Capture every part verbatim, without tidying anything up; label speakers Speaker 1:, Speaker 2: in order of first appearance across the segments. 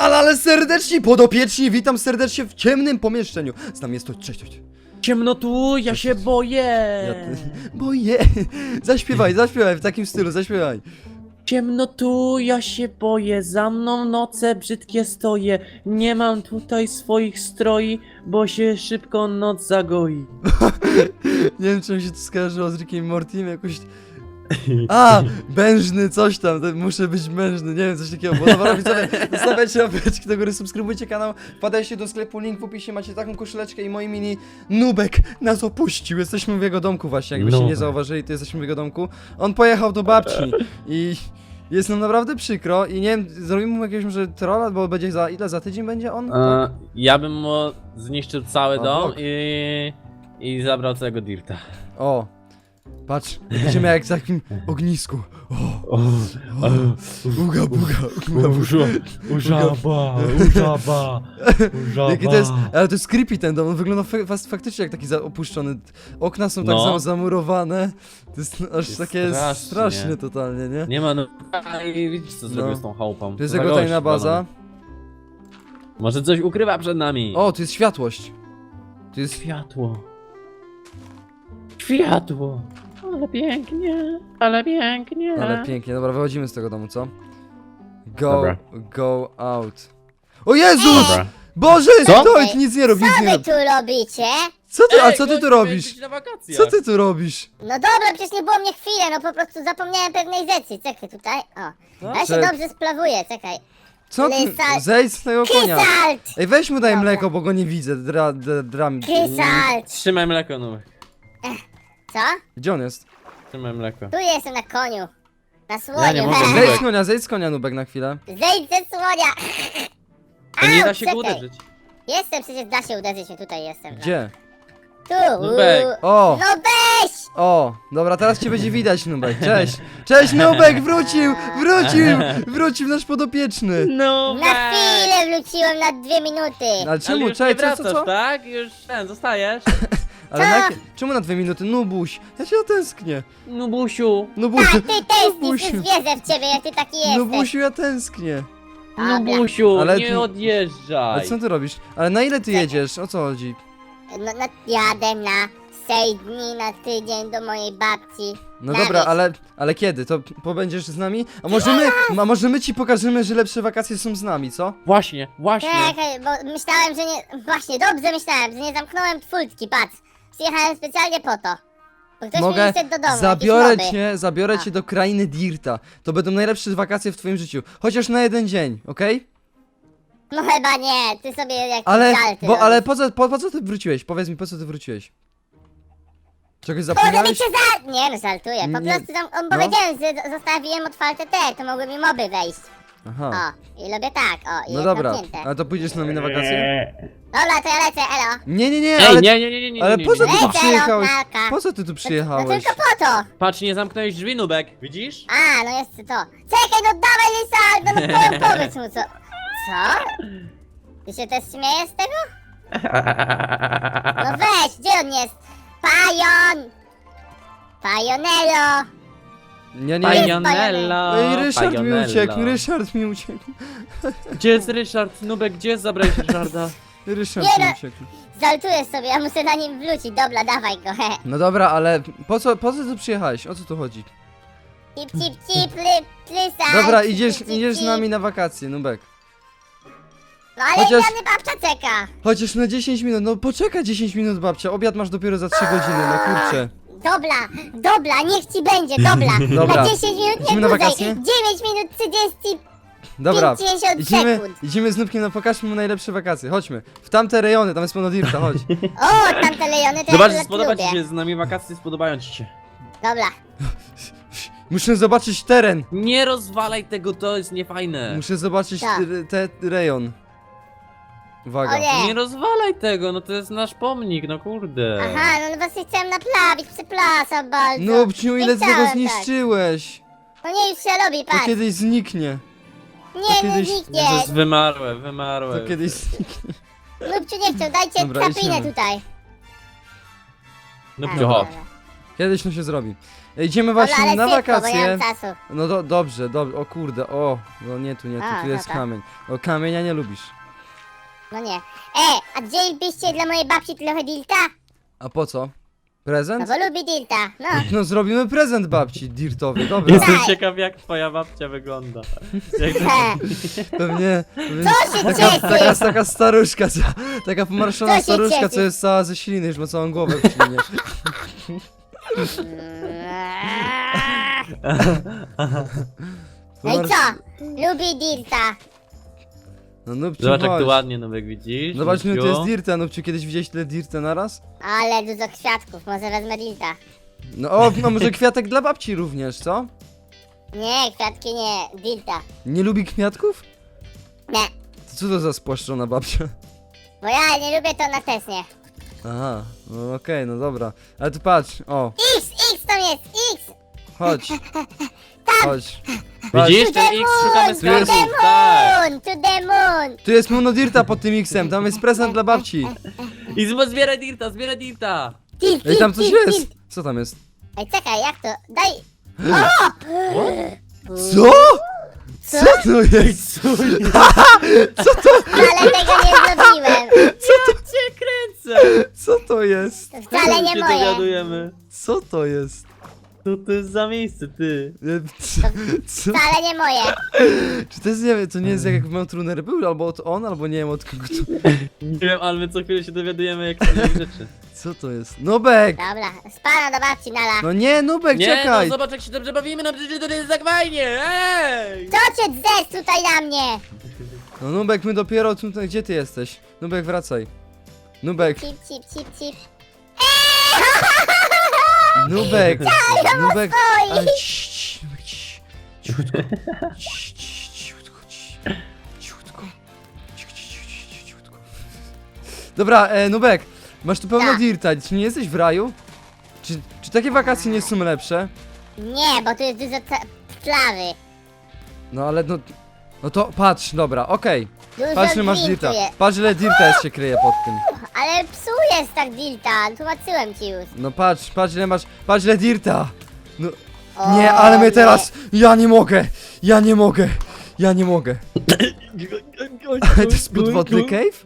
Speaker 1: ale, ale serdecznie, podopieczni, witam serdecznie w ciemnym pomieszczeniu. Z nami jest to, cześć, cześć.
Speaker 2: Ciemno tu, ja się boję.
Speaker 1: Ja te, boję. Zaśpiewaj, zaśpiewaj w takim stylu, zaśpiewaj.
Speaker 2: Ciemno tu, ja się boję, za mną noce brzydkie stoję. Nie mam tutaj swoich stroi, bo się szybko noc zagoi.
Speaker 1: Nie wiem, czy mi się to skojarzyło z Rickiem i Mortim, jakoś... A, mężny, coś tam, to muszę być mężny, nie wiem, coś takiego, bo dobra, widzowie, zostawiajcie łapeczki do góry, subskrybujcie kanał, wpadajcie do sklepu, link w opisie, macie taką koszuleczkę i moi mini Nubek nas opuścił, jesteśmy w jego domku właśnie, jakbyście nie
Speaker 2: Nubek.
Speaker 1: zauważyli, to jesteśmy w jego domku, on pojechał do babci i jest nam naprawdę przykro i nie wiem, zrobimy mu jakiegoś może trolla, bo będzie za, ile, za tydzień będzie on?
Speaker 2: E, ja bym mu zniszczył cały
Speaker 1: A,
Speaker 2: dom
Speaker 1: blok.
Speaker 2: i, i zabrał całego dirta.
Speaker 1: O, patrz, będziemy jak w takim ognisku, o,
Speaker 2: O,
Speaker 1: buga, buga, buga, buga.
Speaker 2: Użaba, użaba, użaba.
Speaker 1: Jaki to jest, ale to jest creepy ten dom, on wygląda fa fas- faktycznie jak taki za- opuszczony. Okna są tak
Speaker 2: No.
Speaker 1: samo zamurowane. To jest aż
Speaker 2: Jest
Speaker 1: takie
Speaker 2: strasznie.
Speaker 1: straszne totalnie, nie?
Speaker 2: Nie ma no. I widzisz co zrobił
Speaker 1: No.
Speaker 2: z tą chałupą.
Speaker 1: To jest
Speaker 2: Co za
Speaker 1: jego tajna
Speaker 2: gość,
Speaker 1: baza.
Speaker 2: panowie. Może coś ukrywa przed nami.
Speaker 1: O, tu jest światłość. Tu jest...
Speaker 2: Światło. Światło. Ale pięknie, ale pięknie.
Speaker 1: Ale pięknie, dobra, wychodzimy z tego domu, co? Go,
Speaker 2: Dobra.
Speaker 1: go out. O Jezus!
Speaker 2: Dobra.
Speaker 1: Boże,
Speaker 2: Co?
Speaker 1: stój, nic nie rób, nic
Speaker 3: Co
Speaker 1: nie
Speaker 3: wy
Speaker 1: rób.
Speaker 3: tu robicie?
Speaker 1: Co ty, a
Speaker 2: Ej,
Speaker 1: co ty
Speaker 2: gościu,
Speaker 1: tu robisz?
Speaker 2: jesteś na wakacjach.
Speaker 1: Co ty tu robisz?
Speaker 3: No dobra, przecież nie było mnie chwilę, no po prostu zapomniałem pewnej rzeczy. Czekaj tutaj, o.
Speaker 2: Co?
Speaker 3: Ja się
Speaker 1: Czek-
Speaker 3: dobrze splawuję, czekaj.
Speaker 1: Co ty?
Speaker 3: Lysal-
Speaker 1: Zejdź z tego konia.
Speaker 3: Krysalt!
Speaker 1: Ej, weź mu daj
Speaker 3: Dobra.
Speaker 1: mleko, bo go nie widzę. Dra, dra, dram.
Speaker 3: Krysalt!
Speaker 2: Trzymaj mleko, no.
Speaker 3: Co?
Speaker 1: Gdzie on jest?
Speaker 2: Trzymaj mleko.
Speaker 3: Tu jestem na koniu. Na słoniu.
Speaker 2: Ja nie mogę,
Speaker 3: he.
Speaker 1: Zejdź
Speaker 2: Nubek.
Speaker 1: z konia, zejdź z konia, Nubek, na chwilę.
Speaker 3: Zejdź ze słonia!
Speaker 2: To nie
Speaker 3: Au,
Speaker 2: da się go
Speaker 3: czekaj.
Speaker 2: uderzyć.
Speaker 3: Jestem, przecież da się uderzyć, no tutaj jestem. no.
Speaker 1: Gdzie?
Speaker 3: Tu!
Speaker 2: Nubek.
Speaker 3: uuu.
Speaker 1: O!
Speaker 3: No weź!
Speaker 1: O! Dobra, teraz cię będzie widać, Nubek. Cześć! Cześć, Nubek! Wrócił! Wrócił! Wrócił nasz podopieczny!
Speaker 2: No
Speaker 3: Na chwilę wróciłem na dwie minuty.
Speaker 1: Ale
Speaker 2: Ale
Speaker 1: czemu?
Speaker 2: już
Speaker 1: Czekaj,
Speaker 2: nie
Speaker 1: co, co,
Speaker 2: wracasz,
Speaker 1: co?
Speaker 2: tak? Już ten, zostajesz?
Speaker 1: Ale na
Speaker 3: Co?
Speaker 1: jakie... Czemu na dwie minuty? Nubuś! Ja cię otęsknię!
Speaker 2: Nubusiu.
Speaker 1: Nubusiu!
Speaker 3: Tak, ty tęsknisz,
Speaker 1: Nubusiu!
Speaker 3: już wierzę w ciebie, jak ty taki jesteś.
Speaker 1: Nubusiu, ja tęsknię!
Speaker 3: Dobra.
Speaker 2: Nubusiu,
Speaker 1: Ale
Speaker 2: nie
Speaker 1: ty- Ale
Speaker 2: odjeżdżaj.
Speaker 1: co ty robisz? Ale na ile ty jedziesz? O co chodzi?
Speaker 3: No, no jadę na sześć dni na tydzień do mojej babci.
Speaker 1: No
Speaker 3: Na
Speaker 1: dobra,
Speaker 3: wieś.
Speaker 1: ale, ale kiedy? To pobędziesz z nami? A może my, a może my ci pokażemy, że lepsze wakacje są z nami, co?
Speaker 2: Właśnie, właśnie.
Speaker 3: Czekaj, bo myślałem, że nie... Właśnie, dobrze myślałem, że nie zamknąłem furtki, patrz. Przyjechałem specjalnie po to. Bo ktoś
Speaker 1: Mogę,
Speaker 3: mi wyszedł do domu,
Speaker 1: zabiorę
Speaker 3: jakieś moby.
Speaker 1: cię, zabiorę
Speaker 3: A.
Speaker 1: cię do krainy Dirta. To będą najlepsze wakacje w twoim życiu. Chociaż na jeden dzień, okej?
Speaker 3: No chyba nie, ty sobie jak
Speaker 1: Ale,
Speaker 3: żarty
Speaker 1: bo, ale
Speaker 3: robisz.
Speaker 1: po co, po, po co ty wróciłeś? Powiedz mi, po co ty wróciłeś? Czegoś
Speaker 3: Kurde, by
Speaker 1: zapomniałeś?
Speaker 3: cię za... Nie no, żartuję, po
Speaker 1: Nie.
Speaker 3: prostu tam on
Speaker 1: No.
Speaker 3: powiedziałem, że zostawiłem otwarte te, to mogły mi moby wejść.
Speaker 1: Aha,
Speaker 3: O, i lubię tak, o, i
Speaker 1: no
Speaker 3: jest
Speaker 1: dobra.
Speaker 3: zamknięte.
Speaker 1: Ale to pójdziesz z nami na wakacje?
Speaker 3: Dobra, to ja lecę, elo.
Speaker 1: Nie, nie, nie,
Speaker 2: Ej,
Speaker 1: ale,
Speaker 2: nie, nie, nie, nie, nie,
Speaker 1: ale
Speaker 2: nie,
Speaker 1: po co
Speaker 2: nie.
Speaker 1: ty tu
Speaker 3: Lecę,
Speaker 1: przyjechałeś?
Speaker 3: Lokalka.
Speaker 1: Po co ty tu
Speaker 3: No
Speaker 1: przyjechałeś?
Speaker 3: tylko po to.
Speaker 2: Patrz, nie zamknąłeś drzwi, Nubek. Widzisz?
Speaker 3: A, no jest to. Czekaj, no dawaj Lisa, no powiem, powiedz mu co. Co? Ty się też śmiejesz z tego? No weź, gdzie on jest? Pajon! Pajonelo!
Speaker 1: Nie, nie,
Speaker 2: Pajonella.
Speaker 1: Ej, Ryszard mi
Speaker 2: Pajonella.
Speaker 1: uciekł, Ryszard mi uciekł.
Speaker 2: Gdzie jest Ryszard? Nubek, gdzie zabrałeś Ryszarda?
Speaker 1: Ryszard
Speaker 3: Nie
Speaker 1: mi
Speaker 3: no.
Speaker 1: uciekł.
Speaker 3: Żartuję sobie, ja muszę na nim wrócić, dobra, dawaj go, he.
Speaker 1: No dobra, ale po co, po co tu przyjechałeś? O co tu chodzi?
Speaker 3: Cip, cip, cip, ly, plysa.
Speaker 1: Dobra,
Speaker 3: cip,
Speaker 1: idziesz,
Speaker 3: cip, cip,
Speaker 1: idziesz z
Speaker 3: cip.
Speaker 1: nami na wakacje, Nubek.
Speaker 3: No ale
Speaker 1: Chociaż-
Speaker 3: Chociaż... babcia czeka.
Speaker 1: Chociaż na dziesięć minut, no poczekaj dziesięć minut, babcia, obiad masz dopiero za trzy godziny, no kurczę.
Speaker 3: Dobra, dobra, niech ci będzie, dobra.
Speaker 1: Dobra.
Speaker 3: Na dziesięć minut
Speaker 1: Idziemy
Speaker 3: nie
Speaker 1: na
Speaker 3: dłużej.
Speaker 1: wakacje?
Speaker 3: dziewięć minut trzydzieści
Speaker 1: Dobra,
Speaker 3: pięćdziesiąt
Speaker 1: idziemy,
Speaker 3: sekund.
Speaker 1: idziemy z Nubkiem, no pokażmy mu najlepsze wakacje, chodźmy. W tamte rejony, tam jest pełno dirta, chodź.
Speaker 3: O, tamte lejony to
Speaker 2: Zobacz,
Speaker 3: ja
Speaker 2: że spodoba
Speaker 3: lubię.
Speaker 2: ci się z nami wakacje, spodobają ci się.
Speaker 3: Dobra.
Speaker 1: Muszę zobaczyć teren,
Speaker 2: Nie rozwalaj tego, to jest niefajne.
Speaker 1: muszę zobaczyć
Speaker 3: Tak.
Speaker 1: te, te rejon. Uwaga.
Speaker 3: O nie.
Speaker 2: Nie rozwalaj tego, no to jest nasz pomnik, no kurde.
Speaker 3: Aha, no właśnie chciałem naprawić, przepraszam bardzo.
Speaker 1: Nubciu,
Speaker 3: Nie
Speaker 1: ile ty tego
Speaker 3: chciałem tak.
Speaker 1: zniszczyłeś?
Speaker 3: No nie, już się robi,
Speaker 1: To
Speaker 3: patrz.
Speaker 1: kiedyś zniknie,
Speaker 3: Nie, no
Speaker 1: kiedyś-
Speaker 3: nikt
Speaker 2: To jest
Speaker 3: nie.
Speaker 2: wymarłe, wymarłe.
Speaker 1: to kiedyś zniknie.
Speaker 3: Lubciu nie chciał, dajcie
Speaker 1: Dobra,
Speaker 3: krapinę
Speaker 1: idziemy.
Speaker 3: tutaj.
Speaker 2: No
Speaker 3: A,
Speaker 2: chodź.
Speaker 3: dobra.
Speaker 1: Kiedyś to się zrobi. Idziemy
Speaker 3: Dobra,
Speaker 1: właśnie
Speaker 3: ale
Speaker 1: na
Speaker 3: szybko, bo nie
Speaker 1: wakacje.
Speaker 3: mam czasu.
Speaker 1: No do, dobrze, dobrze, o kurde, o, no nie tu, nie tu,
Speaker 3: A,
Speaker 1: tu jest
Speaker 3: dobra.
Speaker 1: kamień. O, kamienia nie lubisz.
Speaker 3: No nie. E, a wzięlibyście dla mojej babci trochę dilta?
Speaker 1: A po co?
Speaker 3: No
Speaker 1: Prezent?
Speaker 3: bo lubi dilta, no.
Speaker 1: No zrobimy prezent babci, dirtowy, dobra.
Speaker 2: Jestem
Speaker 3: Tak.
Speaker 2: ciekaw jak twoja babcia wygląda. Jak to...
Speaker 3: He.
Speaker 1: Pewnie, pewnie
Speaker 3: Co się
Speaker 1: taka,
Speaker 3: cieszysz?
Speaker 1: taka, taka staruszka, co, taka pomarszczona
Speaker 3: Co się
Speaker 1: staruszka, co
Speaker 3: cieszysz?
Speaker 1: jest cała ze śliny, już ma całą głowę w ślinie.
Speaker 3: No i
Speaker 1: Pomarsz-
Speaker 3: co? Lubi dilta.
Speaker 1: No Nubciu,
Speaker 2: Zobacz jak
Speaker 1: chodź.
Speaker 2: tu ładnie Nubek widzisz.
Speaker 1: Zobacz, no to
Speaker 2: Nubciu.
Speaker 1: jest dirta, Nubciu, kiedyś widziałeś tyle dirta naraz?
Speaker 3: Ale dużo kwiatków, może wezmę dilta.
Speaker 1: No o, no może kwiatek dla babci również, co?
Speaker 3: Nie, kwiatki nie, dilta.
Speaker 1: Nie lubi kwiatków?
Speaker 3: Nie,
Speaker 1: To co to za spłaszczona babcia?
Speaker 3: bo ja nie lubię to na tesnie.
Speaker 1: Aha, no okej, no dobra. Ale tu patrz, o,
Speaker 3: X, X tam jest, X!
Speaker 1: chodź. Chodź. Patrz.
Speaker 2: Widzisz
Speaker 3: To
Speaker 2: ten
Speaker 3: the
Speaker 2: X, szukamy
Speaker 3: moon,
Speaker 1: Tu jest-
Speaker 2: skarbów,
Speaker 3: to the
Speaker 2: tak.
Speaker 3: moon, to the moon!
Speaker 1: Tu jest pełno dirta pod tym X-em, tam jest prezent dla babci.
Speaker 2: I zbo- zbieraj dirta, zbieraj dirta.
Speaker 3: Dilt,
Speaker 1: Ej, tam
Speaker 3: dilt,
Speaker 1: coś
Speaker 3: dilt,
Speaker 1: jest!
Speaker 3: dilt.
Speaker 1: Co tam jest?
Speaker 3: Ej, czekaj, jak to? Daj...
Speaker 1: Co? Co to jest?
Speaker 3: Wcale tego nie zrobiłem.
Speaker 2: Ja cię kręcę.
Speaker 1: Co to jest?
Speaker 3: To wcale nie
Speaker 2: się
Speaker 3: moje.
Speaker 2: dowiadujemy.
Speaker 1: Co to jest?
Speaker 2: Co to jest za miejsce, ty?
Speaker 1: E, Co? co?
Speaker 3: Wcale nie moje.
Speaker 1: Czy to jest, nie wiem, to nie jest jak Mount Runner był, albo od on, albo nie wiem od kogo to...
Speaker 2: Nie wiem, ale my co chwilę się dowiadujemy jak jakieś rzeczy.
Speaker 1: Co to jest? Nubek!
Speaker 3: Dobra, spana do babci nala.
Speaker 1: No nie, Nubek,
Speaker 2: Nie,
Speaker 1: czekaj!
Speaker 2: no zobacz jak się dobrze bawimy, no przecież to jest tak fajnie, ej!
Speaker 3: Co cię dzesz tutaj na mnie?
Speaker 1: No Nubek, my dopiero tutaj, gdzie ty jesteś? Nubek, wracaj. Nubek,
Speaker 3: Cip, cip, cip, cip.
Speaker 1: Nubek, Nubek,
Speaker 3: swoi.
Speaker 1: ale cii, cii, Nubek, cii, cichutko, cii, cii, cichutko, cii, cichutko, Cicho, cicho, cicho, cichutko. Dobra, e, Nubek, masz tu pełno
Speaker 3: Tak.
Speaker 1: dirta, czy nie jesteś w raju? Czy, czy takie wakacje nie są lepsze?
Speaker 3: Nie, bo tu jest dużo ta- trawy.
Speaker 1: No ale no, no to patrz, dobra, okej,
Speaker 3: Dużo
Speaker 1: patrz ile masz
Speaker 3: diltu
Speaker 1: dirta,
Speaker 3: jest.
Speaker 1: patrz ile dirta jest się kryje pod tym.
Speaker 3: Ale psujesz tak dilta, tłumaczyłem ci już.
Speaker 1: No patrz, patrz ile masz, patrz ile dirta. No,
Speaker 3: O,
Speaker 1: nie, ale mnie
Speaker 3: nie.
Speaker 1: teraz, ja nie mogę, ja nie mogę, ja nie mogę. To jest podwodny cave?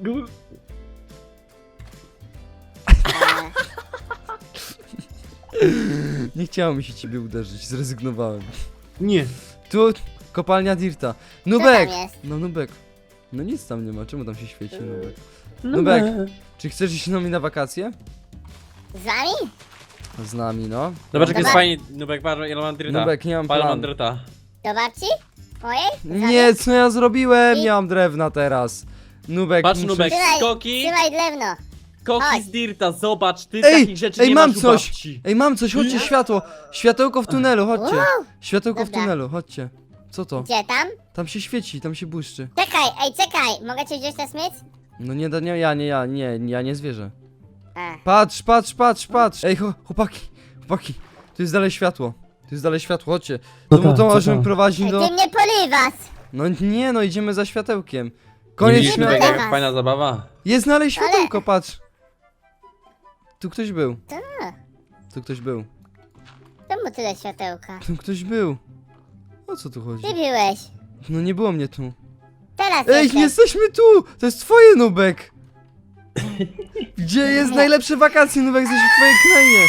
Speaker 3: E,
Speaker 1: Nie chciało mi się ciebie uderzyć, zrezygnowałem.
Speaker 2: Nie.
Speaker 1: Tu, kopalnia dirta.
Speaker 3: Co
Speaker 1: Nubek!
Speaker 3: tam jest?
Speaker 1: No Nubek. No nic tam nie ma, czemu tam się świeci Nubek?
Speaker 2: No
Speaker 1: Nubek.
Speaker 2: be.
Speaker 1: Czy chcesz iść z nami na wakacje?
Speaker 3: Z wami?
Speaker 1: Z nami, no.
Speaker 2: Zobacz jak jest
Speaker 3: Dobra.
Speaker 2: fajnie, Nubek, patrz ile mam dirta.
Speaker 1: Nubek, nie mam
Speaker 2: Pal mam
Speaker 1: planu.
Speaker 2: dirta.
Speaker 3: Do babci? Mojej? Z wami?
Speaker 1: Nie, co ja zrobiłem?
Speaker 3: I-
Speaker 1: Nie mam drewna teraz. Nubek,
Speaker 2: Patrz
Speaker 1: muszę...
Speaker 2: Nubek,
Speaker 3: Trzymaj,
Speaker 2: skoki,
Speaker 3: trzymaj drewno.
Speaker 2: skoki
Speaker 3: Chodź.
Speaker 2: z dirta, zobacz, ty
Speaker 1: Ej,
Speaker 2: takich rzeczy
Speaker 1: ej,
Speaker 2: nie
Speaker 1: mam
Speaker 2: masz u
Speaker 1: coś.
Speaker 2: babci.
Speaker 1: Ej, mam coś, chodźcie, światło. Światełko w tunelu, chodźcie.
Speaker 3: Wow.
Speaker 1: Światełko w
Speaker 3: Dobra.
Speaker 1: tunelu, chodźcie. Co to?
Speaker 3: Gdzie tam?
Speaker 1: Tam się świeci, tam się błyszczy.
Speaker 3: Czekaj, ej, czekaj. Mogę cię wziąć na smyć?
Speaker 1: No nie, da- nie, ja, nie, ja, nie, ja nie zwierzę.
Speaker 3: A.
Speaker 1: Patrz, patrz, patrz, patrz. Ej, cho- chłopaki, chłopaki. Tu jest dalej światło. Tu jest dalej światło, chodźcie. To,
Speaker 2: tam,
Speaker 1: to
Speaker 2: co
Speaker 1: możemy
Speaker 2: tam?
Speaker 1: prowadzić
Speaker 3: Ej,
Speaker 1: do...
Speaker 3: ty mnie porywasz.
Speaker 1: No nie, no idziemy za światełkiem.
Speaker 2: Nie
Speaker 1: Koniec
Speaker 2: widzisz, Nubek,
Speaker 1: światła.
Speaker 3: światła.
Speaker 2: jaka fajna zabawa.
Speaker 1: Jest dalej światełko, patrz. Tu ktoś był.
Speaker 3: Ta.
Speaker 1: Tu ktoś był.
Speaker 3: Czemu tyle światełka?
Speaker 1: Tu ktoś był. O co tu chodzi?
Speaker 3: Ty byłeś.
Speaker 1: No nie było mnie tu.
Speaker 3: Teraz
Speaker 1: Ej,
Speaker 3: jestem.
Speaker 1: jesteśmy tu! To jest twoje, Nubek! Gdzie jest najlepsze wakacje, Nubek? Jesteś w twojej krainie!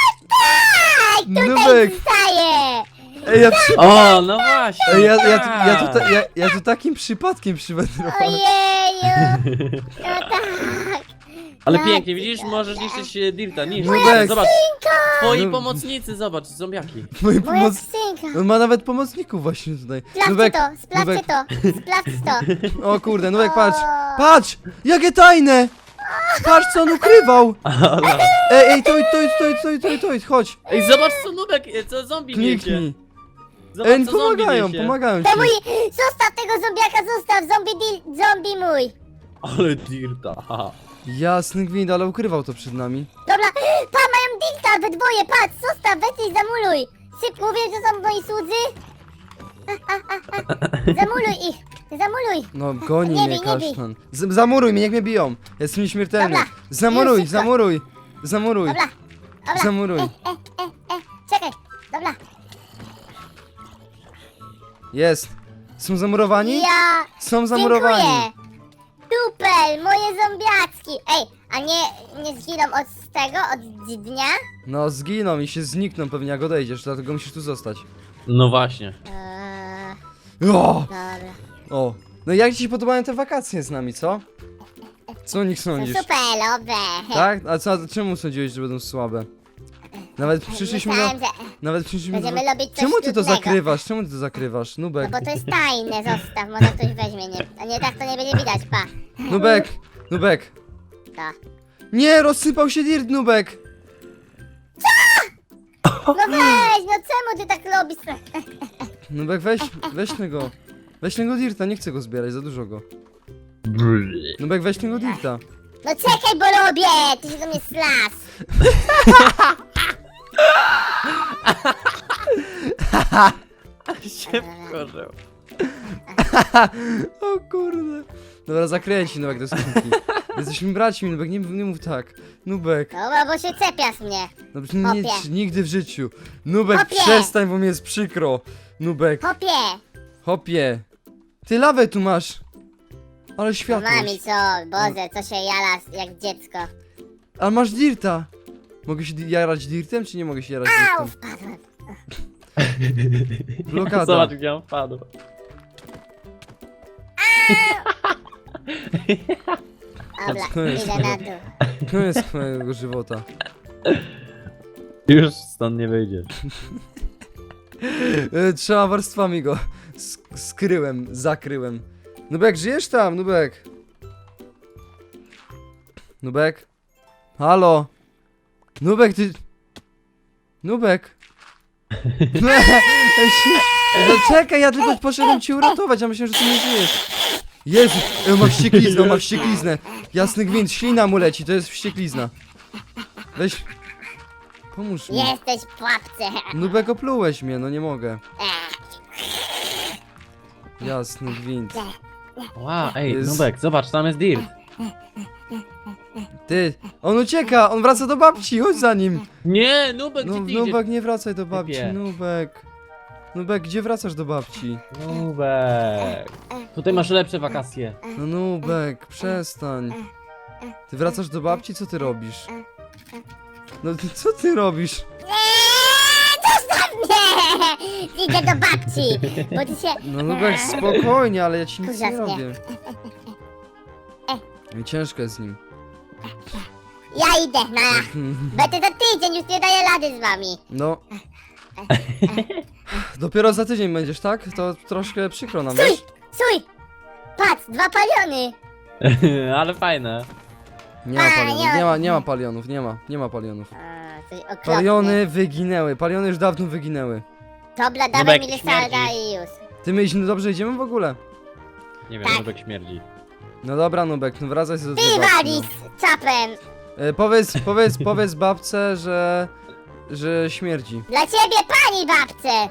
Speaker 1: Nubek!
Speaker 3: Wstaję!
Speaker 1: Ej, ja, przy...
Speaker 2: O, no właśnie.
Speaker 1: Ej, ja, ja, tu, ja,
Speaker 2: tak.
Speaker 1: tu, ja, ja tu takim przypadkiem przywędrowałem.
Speaker 3: Ojeju! No tak.
Speaker 2: Ale
Speaker 3: Ja
Speaker 2: pięknie,
Speaker 3: cię
Speaker 2: widzisz,
Speaker 3: kocham.
Speaker 2: możesz niszczyć e, dirta, niszcz.
Speaker 1: Nubek.
Speaker 2: Zobacz, twoi
Speaker 1: No.
Speaker 2: pomocnicy, zobacz, zombiaki.
Speaker 1: Mój
Speaker 3: Moja
Speaker 1: pomoc...
Speaker 3: skrzynka.
Speaker 1: On ma nawet pomocników właśnie tutaj.
Speaker 3: Sprawdźcie
Speaker 1: Nubek,
Speaker 3: to, sprawdźcie
Speaker 1: Nubek.
Speaker 3: to, sprawdźcie to.
Speaker 1: O kurde, Nubek, patrz! Patrz! Jakie tajne! Patrz, co on ukrywał!
Speaker 2: Ale-
Speaker 1: Ej, ej, toj, toj, toj, toj, toj, toj, chodź!
Speaker 2: Ej, zobacz co Nubek, e, co zombie niecie.
Speaker 1: Kliknij.
Speaker 2: Zobacz
Speaker 1: Ej,
Speaker 2: co zombie
Speaker 1: pomagają,
Speaker 2: niesie.
Speaker 1: pomagają
Speaker 3: To
Speaker 1: ci.
Speaker 3: mój, zostaw tego zombiaka, zostaw, zombie deal, zombie mój.
Speaker 2: Ale dirta, haha.
Speaker 1: Jasny gwint, ale ukrywał to przed nami.
Speaker 3: Dobra, pa, mają dilta we dwoje, patrz, zostaw, weź i zamuluj. Szybko, wiem, że są moi słudzy. A, a, a, a. Zamuluj ich, zamuluj.
Speaker 1: No, goni
Speaker 3: Nie
Speaker 1: mnie
Speaker 3: bij, nie bij.
Speaker 1: kasztan. Z zamuruj mnie, niech mnie biją. Jestem nieśmiertelny.
Speaker 3: Dobra,
Speaker 1: Zamuruj,
Speaker 3: już szybko.
Speaker 1: zamuruj. Zamuruj.
Speaker 3: Dobra, dobra.
Speaker 1: Zamuruj.
Speaker 3: E, e, e, e, czekaj,
Speaker 1: Jest. Są zamurowani?
Speaker 3: Ja...
Speaker 1: Są zamurowani.
Speaker 3: Dziękuję. Super, moje zombiacki. Ej, a nie, nie zginą od tego, od dnia?
Speaker 1: No zginą i się znikną pewnie jak odejdziesz, dlatego musisz tu zostać.
Speaker 2: No właśnie.
Speaker 3: Eee,
Speaker 1: O!
Speaker 3: dobra.
Speaker 1: O! No i jak ci się podobają te wakacje z nami, co? Co o nich
Speaker 3: Są
Speaker 1: sądzisz?
Speaker 3: superowe.
Speaker 1: Tak? A co, a czemu sądziłeś, że będą słabe? Nawet przyszliśmy do...
Speaker 3: Myślałem, że...
Speaker 1: Nawet przyszliśmy do...
Speaker 3: Będziemy robić coś
Speaker 1: Czemu ty to
Speaker 3: trudnego.
Speaker 1: zakrywasz? Czemu ty to zakrywasz?
Speaker 3: No
Speaker 1: Nubek.
Speaker 3: bo to jest tajne, zostaw, może ktoś weźmie, nie, a nie tak to nie będzie widać, pa.
Speaker 1: Nubek! Nubek!
Speaker 3: To.
Speaker 1: Nie, rozsypał się dirt, Nubek!
Speaker 3: No weź, no czemu ty tak robisz?
Speaker 1: Nubek, weź, weź tego. Weź tego dirta, nie chcę go zbierać, za dużo go. Nubek, weź tego dirta.
Speaker 3: No czekaj, bo robię! Ty się do mnie slas.
Speaker 2: się wkurzył.
Speaker 1: O kurde. Dobra, zakręci, Nubek, do skrzynki. Jesteśmy braćmi, Nubek, nie, nie mów tak. Nubek,
Speaker 3: Dobra, bo się czepiasz mnie.
Speaker 1: no, nie,
Speaker 3: Hopie.
Speaker 1: nigdy w życiu. Nubek,
Speaker 3: Hopie.
Speaker 1: przestań, bo mi jest przykro. Nubek,
Speaker 3: Hopie!
Speaker 1: hopie. Ty lawę tu masz. Ale
Speaker 3: No
Speaker 1: światło.
Speaker 3: mami co, Boże, co się jala jak dziecko.
Speaker 1: Ale masz dirta. Mogę się di- jarać dirtem, czy nie mogę się jarać
Speaker 3: Au,
Speaker 1: dirtem?
Speaker 3: wpadłem.
Speaker 1: Blokada.
Speaker 2: Zobacz, gdzie on wpadł.
Speaker 3: Dobra,
Speaker 1: Koniec.
Speaker 3: idę na dół.
Speaker 1: Koniec mojego żywota.
Speaker 2: Już stąd nie wyjdziesz.
Speaker 1: E, Trzema warstwami go sk- skryłem, zakryłem. Nubek, żyjesz tam, Nubek? Nubek? Halo? Nubek, ty... Nubek? No, no czekaj, ja tylko poszedłem cię uratować, a myślałem, że ty nie żyjesz. Jezu, e, ma wściekliznę, ma wściekliznę. Jasny gwint, ślina mu leci, to jest wścieklizna. Weź... Pomóż mi.
Speaker 3: Jesteś w pułapce.
Speaker 1: Nubek, oplułeś mnie, no nie mogę.
Speaker 3: Ech,
Speaker 1: Jasny gwint.
Speaker 2: Wow, ej,
Speaker 1: Jest-
Speaker 2: Nubek, zobacz, tam jest dirt.
Speaker 1: Ty, on ucieka, on wraca do babci, chodź za nim.
Speaker 2: Nie, Nubek,
Speaker 1: No,
Speaker 2: gdzie ty idziesz?
Speaker 1: Nubek, nie wracaj do babci,
Speaker 2: Typie.
Speaker 1: Nubek. Nubek, gdzie wracasz do babci?
Speaker 2: Nubek. Tutaj masz lepsze wakacje.
Speaker 1: No Nubek, przestań. Ty wracasz do babci, co ty robisz? No ty, co ty robisz?
Speaker 3: Eee, zostaw mnie! Idę do babci, bo ty się...
Speaker 1: No Nubek, spokojnie, ale ja ci nic nie
Speaker 3: Ужasnie.
Speaker 1: robię. I ciężko jest z nim.
Speaker 3: Ja idę, na. Będę za tydzień, już nie daję rady z wami.
Speaker 1: No. Dopiero za tydzień będziesz, tak? To troszkę przykro nam,
Speaker 3: Stój,
Speaker 1: wiesz?
Speaker 3: stój! Patrz, dwa paliony.
Speaker 2: Ale fajne.
Speaker 1: Nie ma palionów, nie ma, nie ma palionów, nie ma, nie ma palionów.
Speaker 3: A, coś okropne.
Speaker 1: Paliony wyginęły, paliony już dawno wyginęły.
Speaker 3: Dobra, dawaj
Speaker 2: Nubek
Speaker 3: mi
Speaker 2: śmierdzi.
Speaker 3: Lysarda i już.
Speaker 1: Ty my idziemy, dobrze idziemy w ogóle?
Speaker 2: Nie wiem,
Speaker 3: Tak.
Speaker 2: Nubek śmierdzi.
Speaker 1: No dobra, Nubek, no wracaj sobie do
Speaker 3: Ty
Speaker 1: tej babci,
Speaker 3: walisz czapem.
Speaker 1: no. e, Powiedz, powiedz, powiedz babce, że... że śmierdzi.
Speaker 3: Dla ciebie, pani babce.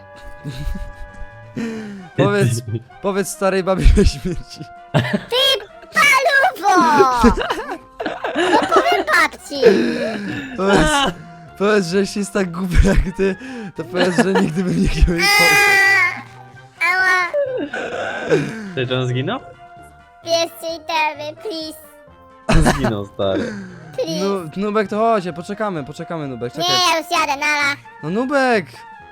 Speaker 1: Powiedz, powiedz starej babie, że śmierdzi.
Speaker 3: Paluwo! No powiem babci.
Speaker 1: Powiedz, powiedz, że jeśli jest tak głupia jak ty, to powiedz, że nigdy bym nie chciał jej pomóc.
Speaker 3: Ała, ała.
Speaker 2: Ty, czy on zginął?
Speaker 3: Bierzcie itemy, please,
Speaker 2: Zginął, stary.
Speaker 3: please.
Speaker 1: No, Nubek, to chodź, poczekamy, poczekamy, Nubek, czekaj.
Speaker 3: Nie, ja już jadę, nara.
Speaker 1: No Nubek!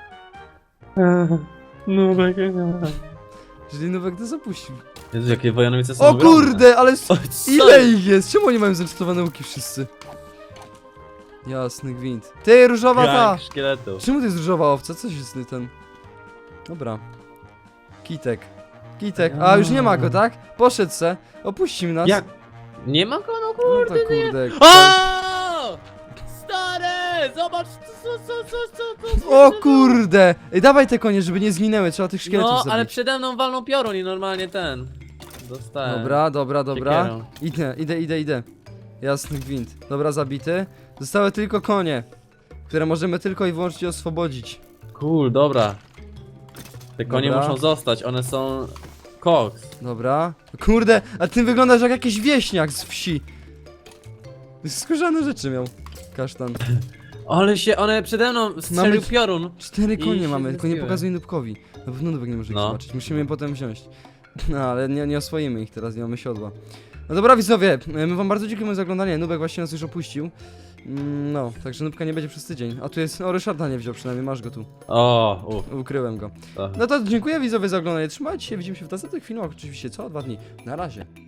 Speaker 2: Nubek.
Speaker 1: Czyli Nubek to zapuścił.
Speaker 2: Jezu, jakie wojownice są
Speaker 1: O
Speaker 2: ogromne.
Speaker 1: kurde, ale s-
Speaker 2: O, co
Speaker 1: ile
Speaker 2: jest?
Speaker 1: ich jest? Czemu oni mają zepsutowane łuki wszyscy? Jasny gwint. Ty, różowa ta!
Speaker 2: Gang szkieletów.
Speaker 1: Czemu to jest różowa owca? Co się z ten... Dobra. Kitek. Kitek. A, już nie ma go, tak? Poszedł se. Opuścił nas.
Speaker 2: Jak? Nie ma go, no
Speaker 1: No
Speaker 2: kurde,
Speaker 1: to
Speaker 2: nie.
Speaker 1: kurde.
Speaker 2: O! Stary! Zobacz, co, co, co, co, co, co
Speaker 1: O kurde! Ej, dawaj te konie, żeby nie zginęły. Trzeba tych szkieletów
Speaker 2: No,
Speaker 1: zabić.
Speaker 2: ale przede mną walną piorun i normalnie ten. Dostałem.
Speaker 1: Dobra, dobra, dobra.
Speaker 2: Siekierą.
Speaker 1: Idę, idę, idę, idę. Jasny gwint. Dobra, zabity. Zostały tylko konie, które możemy tylko i wyłącznie oswobodzić.
Speaker 2: Cool, dobra. Te konie
Speaker 1: Dobra.
Speaker 2: muszą zostać, one są... Koks.
Speaker 1: Dobra. Kurde, a ty wyglądasz jak jakiś wieśniak z wsi. Skórzane rzeczy miał. Kasztan.
Speaker 2: Ale się, one przede mną strzelił
Speaker 1: Mamy-
Speaker 2: piorun.
Speaker 1: Cztery
Speaker 2: I
Speaker 1: konie
Speaker 2: się
Speaker 1: mamy, tylko nie
Speaker 2: zrespiły.
Speaker 1: pokazuj Nubkowi. Na pewno Nubek nie może ich
Speaker 2: No.
Speaker 1: zobaczyć, musimy je potem wziąć. No, ale nie, nie oswoimy ich teraz, nie mamy siodła. No dobra widzowie, my wam bardzo dziękujemy za oglądanie, Nubek właśnie nas już opuścił. Mm, No, także Nubka nie będzie przez tydzień. A tu jest, o Ryszarda nie wziął przynajmniej, masz go tu.
Speaker 2: O, uff.
Speaker 1: Ukryłem go.
Speaker 2: to.
Speaker 1: No to dziękuję widzowie za oglądanie, trzymajcie się, widzimy się w następnych filmach oczywiście co? Dwa dni. Na razie.